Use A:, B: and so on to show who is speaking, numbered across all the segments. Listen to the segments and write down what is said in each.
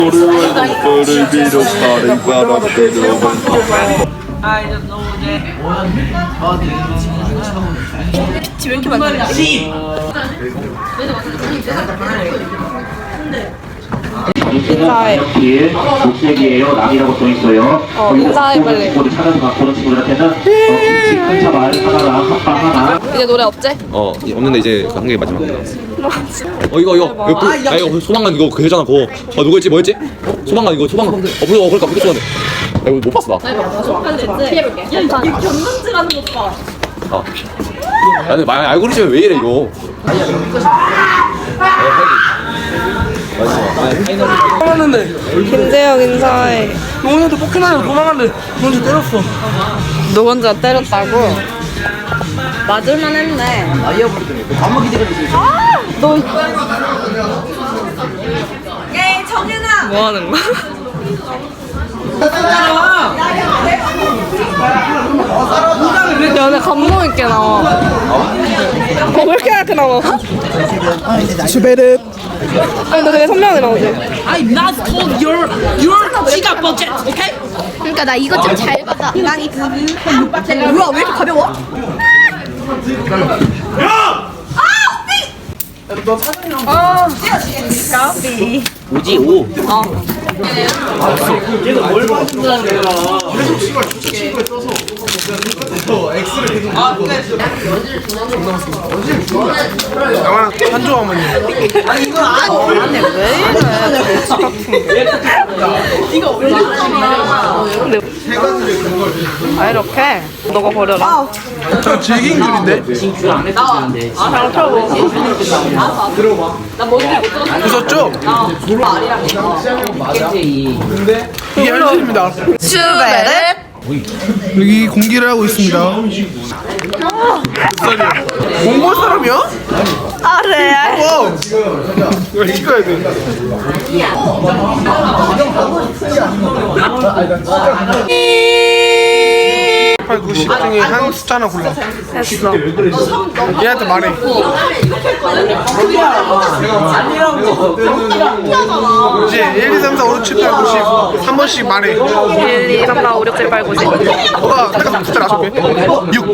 A: 왜 이렇게 많지?
B: 인사해. 녹색이에요. 남이라고 써 있어요.
A: 인사해 빨리.
B: 모두 찾아서 갖고 오는 친구들한테는 김치 큰 차발 하나랑 핫바 하나.
A: 이제 노래 없지?
C: 없는데 이제 한 개 마지막 남았어. 이거 소방관 이거 그 여자나 그거 누구였지 뭐였지? 소방관 이거 소방관 그러니까 무슨 소방관 이거 못 봤어 나.
A: 피해볼게. 야, 이 견눈질하는 것 봐.
C: 나는 알고리즘이 왜 이래 이거.
A: 김재혁 인사해.
D: 노원이한테 포켓몬을 도망갔는데 노원이 때렸어.
A: 너 혼자 때렸다고? 맞을만 했네. 너. 야, 정윤아. 뭐 하는 거야? 야, 내 감동 있게 나와. 왜 이렇게 이렇게 나와?
D: 슈베르.
A: 아니, 너 되게 선명하게 나오지?
D: I'm not told your 지갑 budget, okay?
E: 그러니까 나 이것 좀 잘 받아. 난이
A: 뭐야, 왜 이렇게 가벼워?
B: 오지 오.
D: 한조 어머니.
A: 아, 이렇게? 너가 버려라.
D: 저 질긴 줄인데. 웃었죠? 이게 현실입니다.
A: 슈베르.
D: 여기 공기를 하고 있습니다. 몽골 사람이야?
A: 아래.
D: 와! 이거 찍어야 돼. 8, 90 중에 한 숫자 하나 골라.
A: 했어.
D: 얘한테 말해. 이제 1, 2, 3, 4, 5, 6, 7, 8, 90 한 번씩 말해.
A: 1, 2, 3, 4, 5, 6, 7, 8, 9, 10.
D: 너가 내가 숫자를 아실게. 6.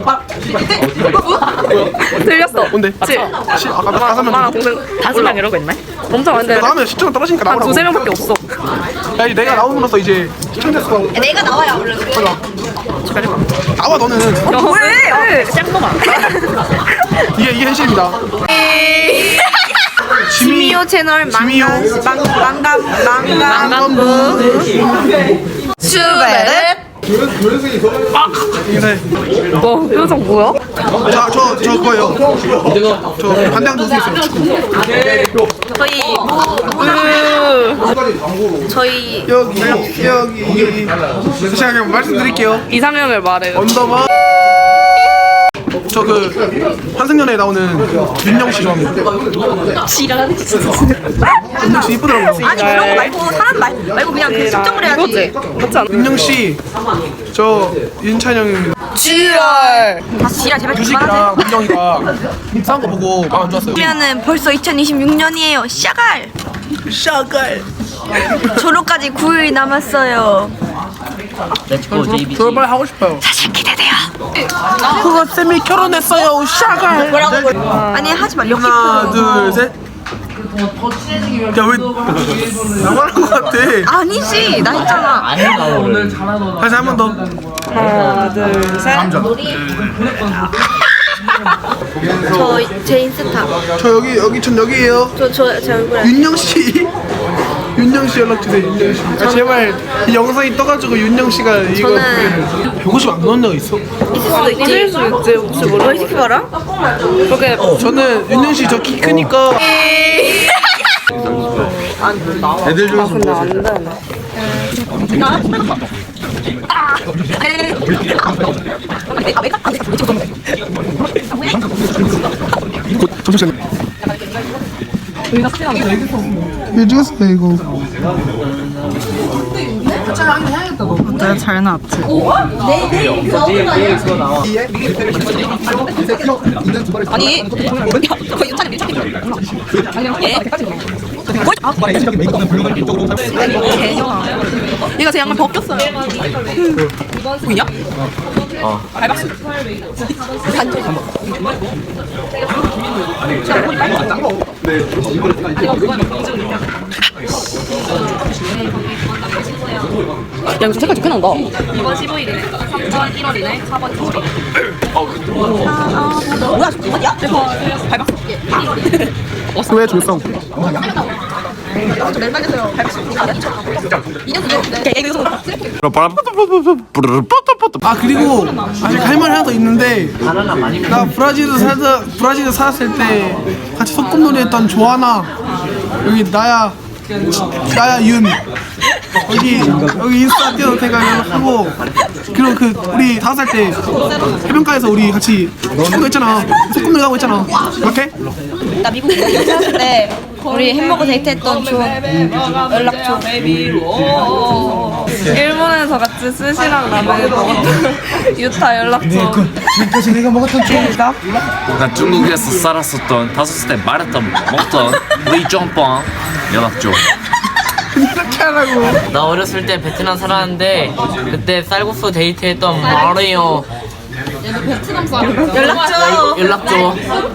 A: 틀렸어.
D: 뭔데?
A: 7.
D: 아까 다섯 명.
A: 엄마랑 동생 5명 이러고 있네? 엄청 많은데.
D: 다음에 시청 떨어지니까
A: 한
D: 나오라고.
A: 두세 명밖에 없어.
D: 야, 이제 내가 나옴으로써 이제 시청자 수가
E: 내가 나와야 원래.
D: 나와 너는.
A: 왜? 짱놈아.
D: 이게 현실입니다.
E: 지미오 채널
D: 지미오.
E: 망감부 슈베르.
D: 인사해.
A: 뭐, 표정 뭐야?
D: 자, 저 그거예요. 저 반대항 도수 있어요.
E: 저희
D: 여기. 제가 그냥 말씀드릴게요.
A: 이상형을 말해.
D: 언더바. 저 그 환승연애에 나오는 윤영 씨 좋아합니다.
A: 지랄.
D: 윤영 씨 이쁘더라고요.
E: 아니 그런 거 말고 사람 말고 그냥 그 측정을 해야지.
A: 이거지? 맞지 않아?
D: 윤영 씨, 저 윤찬영,
A: 지랄.
E: 다 지랄 제발 그만하세요.
D: 유식이랑 윤영이가 싸운 거 보고 마음 안 좋았어요.
E: 그러면은 벌써 2026년이에요. 샤갈.
D: 샤갈.
E: 졸업까지 9일 남았어요.
D: 저 빨리 하고 싶어요.
E: 사실 기대돼요.
D: 그거 쌤이 결혼했어요. 샤갈.
E: 아니 하지 마. 역시
D: 하나, 둘, 셋. 야, 왜 나만 한거 같아?
E: 아니지 나 했잖아.
D: 다시 한 번 더.
A: 하나, 둘, 셋.
E: 제 인스타.
D: 저 여기 전 여기에요.
E: 제 얼굴에.
D: 윤영 씨. 윤영 씨 연락 주세요. 윤영 씨. 아, 제발 이 영상이 떠가지고 윤영 씨가 이거
E: 저는
D: 150 안 넣은 데가 있어?
E: 있을 수 있지. 혹시 모르. 이 새끼 봐라.
A: 그렇게
D: 저는 윤영 씨 저 키 크니까. 애들 중에서
A: 근데 안 되네.
D: 잠시만요. 얘 죽었어 이거.
A: 내가 잘 나왔지. 아니, 유찬이 밀착해. 얘가 제 양말 벗겼어요. 보이냐? 밟았어. 야, 이거 색깔 좋게 나온다. 2번 15일이네, 3번 1월이네, 4번 2월. 뭐야, 잠깐만야? 밟았어.
D: 왜 줄성?
A: 좀 멜말렸어요. 밟았어. 2년 뒤에.
D: 아 그리고 아직 할 말이 하나 더 있는데 나 브라질에 살았을 때 같이 소꿉놀이 했던 조하나 여기 나야 윤 여기 인스타 띄워도 제가 연락하고 그리고 그 우리 5살 때 해변가에서 우리 같이 축구 했잖아 소꿉놀이 하고 했잖아 이렇게?
E: 나 미국 살았을 때 우리 햄버거 데이트했던 연락 줘.
A: 일본에서 같이 스시랑 라면을 먹었던 유타 연락처.
D: 지금까지 내가 먹었던 추억이다.
F: 난 중국에서 살았었던 5살 때 말했던 먹던 리정빵 연락줘.
D: 이렇게 하라고.
G: 나 어렸을 때 베트남 살았는데 그때 쌀국수 데이트했던 마리오 연락줘.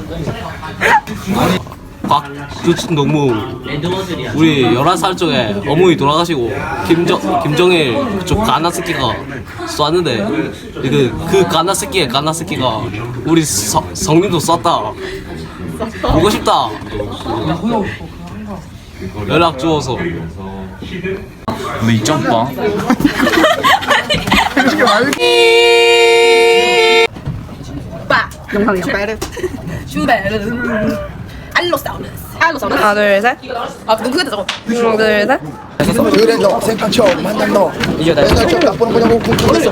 F: 너무 우리 11살 쪽에 어머니 돌아가시고 김정일 그쪽 가나스키가 쐈는데 그 가나스키가 우리 성님도 쐈다. 보고 싶다. 연락 주어서. 리정빵.
A: 영상이요. 슈베르. 알로사우루스. 하나, 둘, 셋. 아, 눈 크게 저거. 하나, 둘, 셋.
H: 그래 너 생각쳐 만난 너 생각쳐 나쁘는 거냐고 궁금했어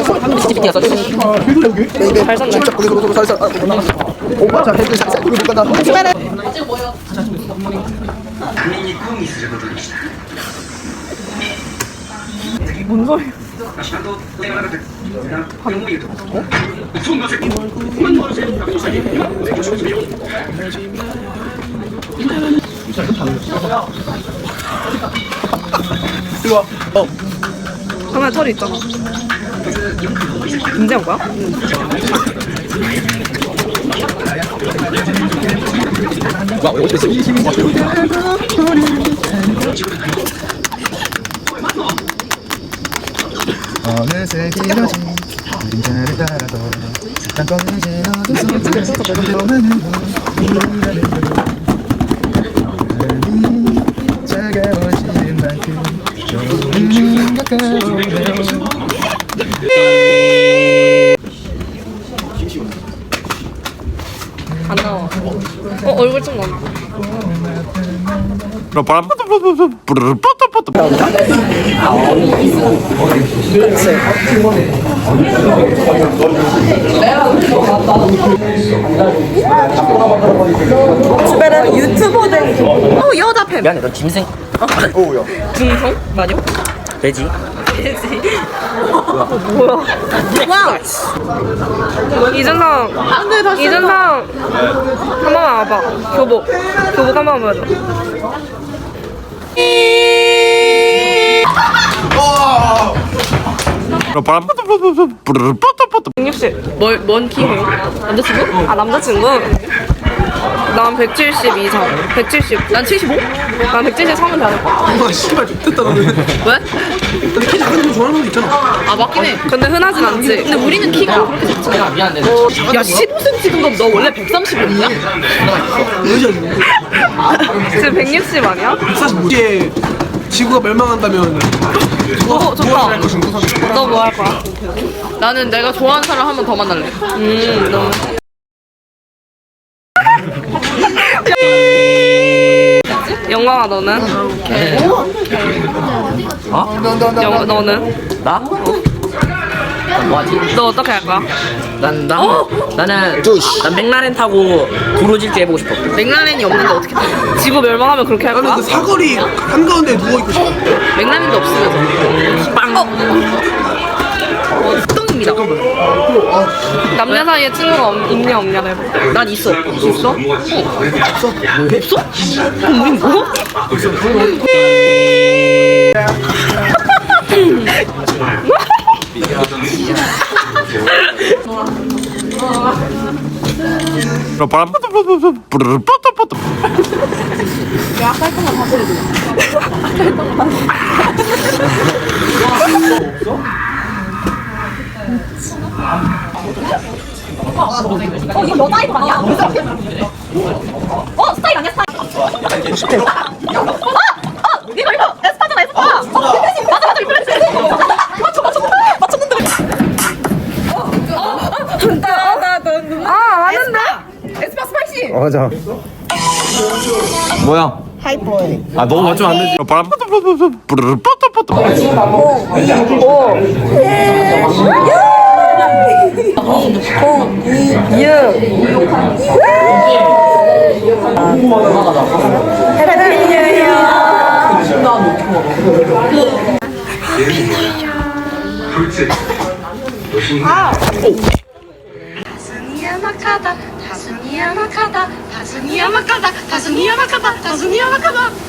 H: 베이베
A: 잘 썼네.
H: 진짜 거기서 살살 오빠 자 헤드 살살 그리고 나
A: 뭔 소리야?
D: 이리 와.
A: 카메라 털이 있잖아. 김재현 거야?
H: 어느새 길어진 그림자를 따라서 난 꺼내진 어둠 속에서 차가워지는 만큼 조금 가까워요
A: 안 나와. 얼굴 좀 나와. 집에는 유튜버들. 여자 팸.
G: 미안해 너 짐승
A: 중성? 맞아?
G: 돼지
A: 뭐야? 와! 이준성! 이준성! 한 번만 와봐. 교복 한 번만 보여줘. 뭔 키예요? 남자친구? 아, 남자친구? 난 170 이상. 170. 난 75? 난 173은 돼야 될 거야.
D: 아 씨발 좋겠다 너는.
A: 왜?
D: 근데 키 작은 거 좋아하는 사람 있잖아.
A: 아, 맞긴 해. 근데 흔하진 않지. 근데 우리는 키가 그렇게 좋지 않아.
G: 미안해
A: 야, 15cm 큰 너 원래 135냐? 지금 160 아니야?
D: 145에 지구가 멸망한다면
A: 좋다. 너 뭐 할 거야? 나는 내가 좋아하는 사람 한 번 더 만날래. 너무. 영광아, 너는?
G: 어?
A: 너는?
G: 나? 뭐하지?
A: 너 어떻게 할 거야?
G: 나는 난 맥라렌 타고 도로질주 해보고 싶어.
A: 맥라렌이 없는데 어떻게 돼? 지구 멸망하면 그렇게 할
D: 나는
A: 거야?
D: 그 사거리 한가운데 누워있고 싶어.
A: 맥라렌도 없으면서 빵! 똥입니다. 남녀 사이에 친구가 있냐 없냐를 해봐. 난 있어. 있어? 없어? 우린 뭐?
E: 이거 너 스타일 아니야? 스타일 아니야 스타일. 이거 에스파잖아 에스파. 맞아 맞췄는데. 맞는데? 에스파 스파이시.
C: 맞아. 뭐야? 하이보이. 아 너무 맞추면 안 되지.
A: 다순이야 마카다 다순이야 마카다 다순이야 마카다 다순이야 마카다